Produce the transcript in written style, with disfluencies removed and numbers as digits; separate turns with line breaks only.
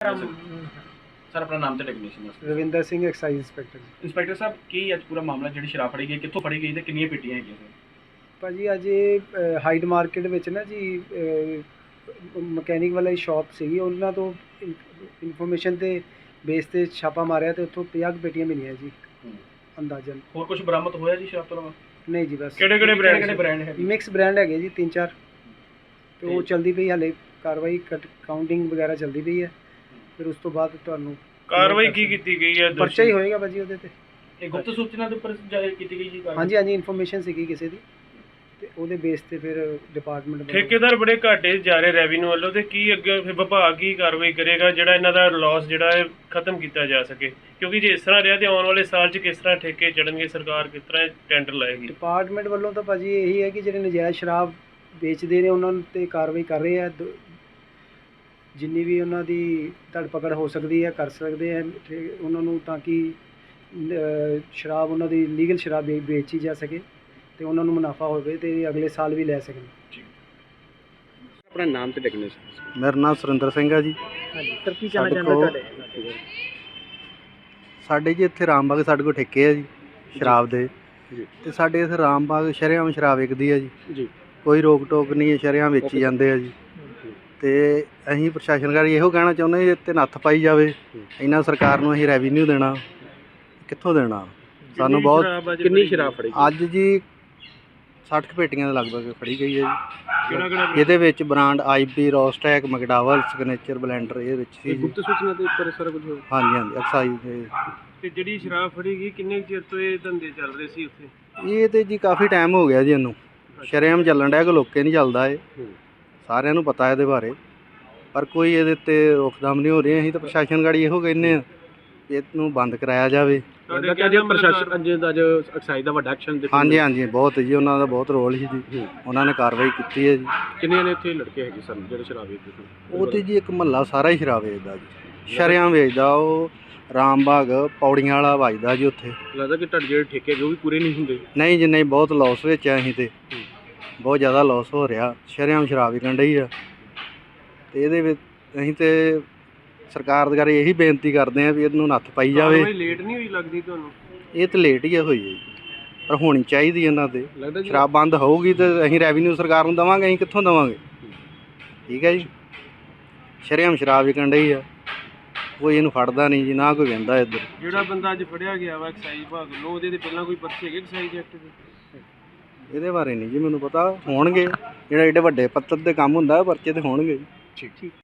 Sir ਆਪਣਾ ਨਾਮ ਤੇ ਡੈਗਨੇਸ਼ਨ ਦੱਸੋ।
Ravinder Singh excise inspector.
Inspector ਸਾਹਿਬ ਕੀ ਅੱਜ ਪੂਰਾ ਮਾਮਲਾ ਜਿਹੜੀ ਸ਼ਰਾਬ ਫੜੀ ਗਈ ਕਿੱਥੋਂ ਫੜੀ ਗਈ ਤੇ ਕਿੰਨੀਆਂ ਪੇਟੀਆਂ ਹੈਗੀਆਂ ਸਰ?
ਭਾਜੀ ਅੱਜ ਇਹ ਹਾਈਡ ਮਾਰਕੀਟ ਵਿੱਚ ਨਾ ਜੀ ਮਕੈਨਿਕ ਵਾਲਾ ਸ਼ਾਪ ਸੀਗੀ, ਉਹਨਾਂ ਤੋਂ ਇਨਫੋਰਮੇਸ਼ਨ ਤੇ ਬੇਸ ਤੇ ਛਾਪਾ ਮਾਰਿਆ ਤੇ ਉੱਥੋਂ 50 ਪੇਟੀਆਂ ਮਿਲੀਆਂ ਜੀ ਅੰਦਾਜ਼ਨ।
ਹੋਰ ਕੁਝ ਬਰਾਮਦ ਹੋਇਆ ਜੀ ਸ਼ਰਾਬ ਤੋਂ ਇਲਾਵਾ?
ਨਹੀਂ ਜੀ, ਬਸ
ਕਿਹੜੇ ਬ੍ਰਾਂਡ ਹੈ?
ਮਿਕਸ ਬ੍ਰਾਂਡ ਹੈਗੇ ਜੀ 3-4 ਤੇ ਉਹ ਚਲਦੀ ਪਈ ਹਾਲੇ ਕਾਰਵਾਈ, ਕਾਊਂਟਿੰਗ ਵਗੈਰਾ ਚਲਦੀ ਪਈ ਹੈ। ਫਿਰ ਉਸ ਤੋਂ ਬਾਅਦ ਤੁਹਾਨੂੰ
ਕਾਰਵਾਈ ਕੀ ਕੀਤੀ ਗਈ ਹੈ?
ਪਰਚਾ ਹੀ ਹੋਏਗਾ ਭਾਜੀ ਉਹਦੇ ਤੇ।
ਇਹ ਗੁਪਤ ਸੂਚਨਾ ਦੇ ਉੱਪਰ ਕੀਤੀ ਗਈ ਜੀ ਕਾਰਵਾਈ?
ਹਾਂਜੀ ਹਾਂਜੀ, ਇਨਫੋਰਮੇਸ਼ਨ ਸੀਗੀ ਕਿਸੇ ਦੀ ਤੇ ਉਹਦੇ ਬੇਸ ਤੇ ਫਿਰ ਡਿਪਾਰਟਮੈਂਟ
ਠੇਕੇਦਾਰ ਬੜੇ ਘਾਟੇ ਜਾ ਰਹੇ ਰੈਵਨਿਊ ਵੱਲੋਂ, ਤੇ ਕੀ ਅੱਗੇ ਫਿਰ ਵਿਭਾਗ ਕੀ ਕਾਰਵਾਈ ਕਰੇਗਾ ਜਿਹੜਾ ਇਹਨਾਂ ਦਾ ਲਾਸ ਜਿਹੜਾ ਹੈ ਖਤਮ ਕੀਤਾ ਜਾ ਸਕੇ? ਕਿਉਂਕਿ ਜੇ ਇਸ ਤਰ੍ਹਾਂ ਰਿਹਾ ਤੇ ਆਉਣ ਵਾਲੇ ਸਾਲ 'ਚ ਕਿਸ ਤਰ੍ਹਾਂ ਠੇਕੇ ਚੜਨਗੇ, ਸਰਕਾਰ ਕਿਸ ਤਰ੍ਹਾਂ ਟੈਂਡਰ ਲਾਏਗੀ?
ਡਿਪਾਰਟਮੈਂਟ ਵੱਲੋਂ ਤਾਂ ਭਾਜੀ ਇਹੀ ਹੈ ਕਿ ਜਿਹੜੇ ਨਜਾਇਜ਼ ਸ਼ਰਾਬ ਵੇਚਦੇ ਨੇ ਉਹਨਾਂ 'ਤੇ ਕਾਰਵਾਈ ਕਰ ਰਹੇ ਆ। ਜਿੰਨੀ ਵੀ ਉਹਨਾਂ ਦੀ ਧੜਪਕੜ ਹੋ ਸਕਦੀ ਹੈ ਕਰ ਸਕਦੇ ਆ ਉਹਨਾਂ ਨੂੰ, ਤਾਂ ਕਿ ਸ਼ਰਾਬ ਉਹਨਾਂ ਦੀ ਲੀਗਲ ਸ਼ਰਾਬ ਵੇਚੀ ਜਾ ਸਕੇ ਤੇ ਉਹਨਾਂ ਨੂੰ ਮੁਨਾਫਾ ਹੋਵੇ ਤੇ ਅਗਲੇ ਸਾਲ ਵੀ ਲੈ ਸਕਣ।
ਆਪਣਾ ਨਾਮ ਤੇ ਡੈਗਨੇਸ਼ਨ।
ਮੇਰਾ ਨਾਮ ਸੁਰਿੰਦਰ ਸਿੰਘ ਹੈ ਜੀ।
ਹਾਂਜੀ ਸਰ, ਕੀ ਕਹਿਣਾ ਚਾਹੁੰਦੇ ਤੁਹਾਡੇ?
ਸਾਡੇ ਜੀ ਇੱਥੇ ਰਾਮਬਾਗ ਸਾਡੇ ਕੋਲ ਠੇਕੇ ਹੈ ਜੀ ਸ਼ਰਾਬ ਦੇ, ਤੇ ਸਾਡੇ ਇੱਥੇ ਰਾਮਬਾਗ ਸ਼ਰੇਆਮ ਸ਼ਰਾਬ ਵਿਕਦੀ ਹੈ ਜੀ। ਕੋਈ ਰੋਕ ਟੋਕ ਨਹੀਂ ਹੈ, ਸ਼ਰੇਆਮ ਵੇਚੀ ਜਾਂਦੇ ਆ ਜੀ। ਤੇ ਅਸੀਂ ਪ੍ਰਸ਼ਾਸਨਕਾਰੀ ਇਹੋ ਕਹਿਣਾ ਚਾਹੁੰਦੇ ਜੀ ਇੱਥੇ ਨੱਥ ਪਾਈ ਜਾਵੇ। ਇਹਨਾਂ ਸਰਕਾਰ ਨੂੰ ਅਸੀਂ ਰੈਵਨਿਊ ਦੇਣਾ, ਕਿੱਥੋਂ ਦੇਣਾ ਸਾਨੂੰ? ਬਹੁਤ
ਕਿੰਨੀ ਸ਼ਰਾਬ ਫੜੀ
ਅੱਜ ਜੀ 60 ਪੇਟੀਆਂ ਦੇ ਲਗਭਗ ਫੜੀ ਗਈ ਹੈ ਜੀ। ਇਹਦੇ ਵਿੱਚ ਬ੍ਰਾਂਡ IP, ਰੋਸਟੈਕ, ਮੈਕਡਾਵਲ, ਸਿਗਨੇਚਰ, ਬਲੈਂਡਰ ਇਹਦੇ ਵਿੱਚ ਸੀ ਜੀ।
ਗੁਪਤ ਸੂਚਨਾ ਦੇ ਉੱਪਰ ਸਾਰਾ ਕੁਝ ਹੋਇਆ?
ਹਾਂਜੀ ਹਾਂਜੀ, ਐਕਸਾਈਜ਼ ਦੇ।
ਤੇ ਜਿਹੜੀ ਸ਼ਰਾਬ ਫੜੀ ਗਈ ਕਿੰਨੇ ਚਿਰ ਤੋਂ ਇਹ ਧੰਦੇ ਚੱਲ ਰਹੇ ਸੀ ਉੱਥੇ?
ਇਹ ਤੇ ਜੀ ਕਾਫੀ ਟਾਈਮ ਹੋ ਗਿਆ ਜੀ ਇਹਨੂੰ ਸ਼ਰੇਆਮ ਚੱਲਣ ਡਿਆ, ਕਿ ਲੋਕੇ ਨਹੀਂ ਚੱਲਦਾ ਇਹ, ਸਾਰਿਆਂ ਨੂੰ ਪਤਾ ਇਹਦੇ ਬਾਰੇ, ਪਰ ਕੋਈ ਇਹਦੇ ਉੱਤੇ ਰੋਕਥਾਮ ਨਹੀਂ ਹੋ ਰਹੀ। ਅਸੀਂ ਤਾਂ ਪ੍ਰਸ਼ਾਸਨ ਗਾੜੀ ਇਹੋ ਕਹਿੰਦੇ ਆ ਇਹਨੂੰ ਬੰਦ ਕਰਾਇਆ ਜਾਵੇ।
ਪ੍ਰਸ਼ਾਸਨ ਅੱਜ ਐਕਸਾਈਜ਼ ਦਾ ਵੱਡਾ ਐਕਸ਼ਨ ਦਿੱਤਾ?
ਹਾਂਜੀ ਹਾਂਜੀ, ਬਹੁਤ ਜੀ, ਉਹਨਾਂ ਦਾ ਬਹੁਤ ਰੋਲ ਸੀ ਜੀ, ਉਹਨਾਂ ਨੇ ਕਾਰਵਾਈ ਕੀਤੀ ਹੈ ਜੀ।
ਕਿੰਨੇ ਨੇ ਇੱਥੇ ਲੜਕੇ ਹੈਗੇ ਸਨ ਜਿਹੜੇ ਸ਼ਰਾਬ ਵੇਚਦੇ ਸਨ?
ਉਹ ਤੇ ਜੀ ਇੱਕ ਮਹੱਲਾ ਸਾਰਾ ਹੀ ਸ਼ਰਾਬ ਵੇਚਦਾ ਜੀ, ਸ਼ਰੇਆਮ ਵੇਚਦਾ। ਉਹ ਰਾਮਬਾਗ ਪੌੜੀਆਂ ਵਾਲਾ ਵੱਜਦਾ ਜੀ ਉੱਥੇ।
ਲੱਗਦਾ ਕਿ ਤੁਹਾਡੇ ਜਿਹੜੇ ਠੇਕੇ ਜੋ ਵੀ ਪੂਰੇ ਨਹੀਂ ਹੁੰਦੇ?
ਨਹੀਂ ਜੀ ਨਹੀਂ, ਬਹੁਤ ਲੋਸ ਵਿੱਚ ਆ ਅਸੀਂ, ਤੇ ਬਹੁਤ ਜ਼ਿਆਦਾ ਲੋਸ ਹੋ ਰਿਹਾ। ਸ਼ਰੇਆਮ ਸ਼ਰਾਬ ਵਿਕਣ ਡਈ ਆ, ਤੇ ਇਹਦੇ ਵਿੱਚ ਅਸੀਂ ਤੇ ਸਰਕਾਰ ਦੇ ਇਹੀ ਬੇਨਤੀ ਕਰਦੇ ਆ ਵੀ ਇਹਨੂੰ ਨੱਥ ਪਾਈ ਜਾਵੇ।
ਲੇਟ ਨਹੀਂ ਹੋਈ ਲੱਗਦੀ ਤੁਹਾਨੂੰ?
ਇਹ ਤਾਂ ਲੇਟ ਹੀ ਹੋਈ ਹੈ ਜੀ, ਪਰ ਹੋਣੀ ਚਾਹੀਦੀ ਇਹਨਾਂ ਤੇ। ਸ਼ਰਾਬ ਬੰਦ ਹੋਊਗੀ ਤੇ ਅਸੀਂ ਰੈਵਨਿਊ ਸਰਕਾਰ ਨੂੰ ਦੇਵਾਂਗੇ, ਅਸੀਂ ਕਿੱਥੋਂ ਦੇਵਾਂਗੇ? ਠੀਕ ਹੈ ਜੀ, ਸ਼ਰੇਆਮ ਸ਼ਰਾਬ ਵਿਕਣ ਡਈ ਆ, ਕੋਈ ਇਹਨੂੰ ਫੜਦਾ ਨਹੀਂ ਜੀ, ਨਾ ਕੋਈ ਵਹਿੰਦਾ ਇੱਧਰ।
ਜਿਹੜਾ ਬੰਦਾ ਅੱਜ ਫੜਿਆ ਗਿਆ ਵਾ ਐਕਸਾਈਜ਼ ਵਿਭਾਗ ਵੱਲੋਂ, ਉਹਦੇ ਤੇ ਪਹਿਲਾਂ ਕੋਈ ਪਰਚੇ ਹੈਗੇ ਐਕਸਾਈਜ਼ ਐਕਟ ਦੇ?
ਇਹਦੇ ਬਾਰੇ ਨਹੀਂ ਜੀ ਮੈਨੂੰ ਪਤਾ, ਹੋਣਗੇ। ਜਿਹੜਾ ਏਡੇ ਵੱਡੇ ਪੱਤਰ ਦੇ ਕੰਮ ਹੁੰਦਾ ਪਰਚੇ ਤੇ ਹੋਣਗੇ ਜੀ।
ਠੀਕ।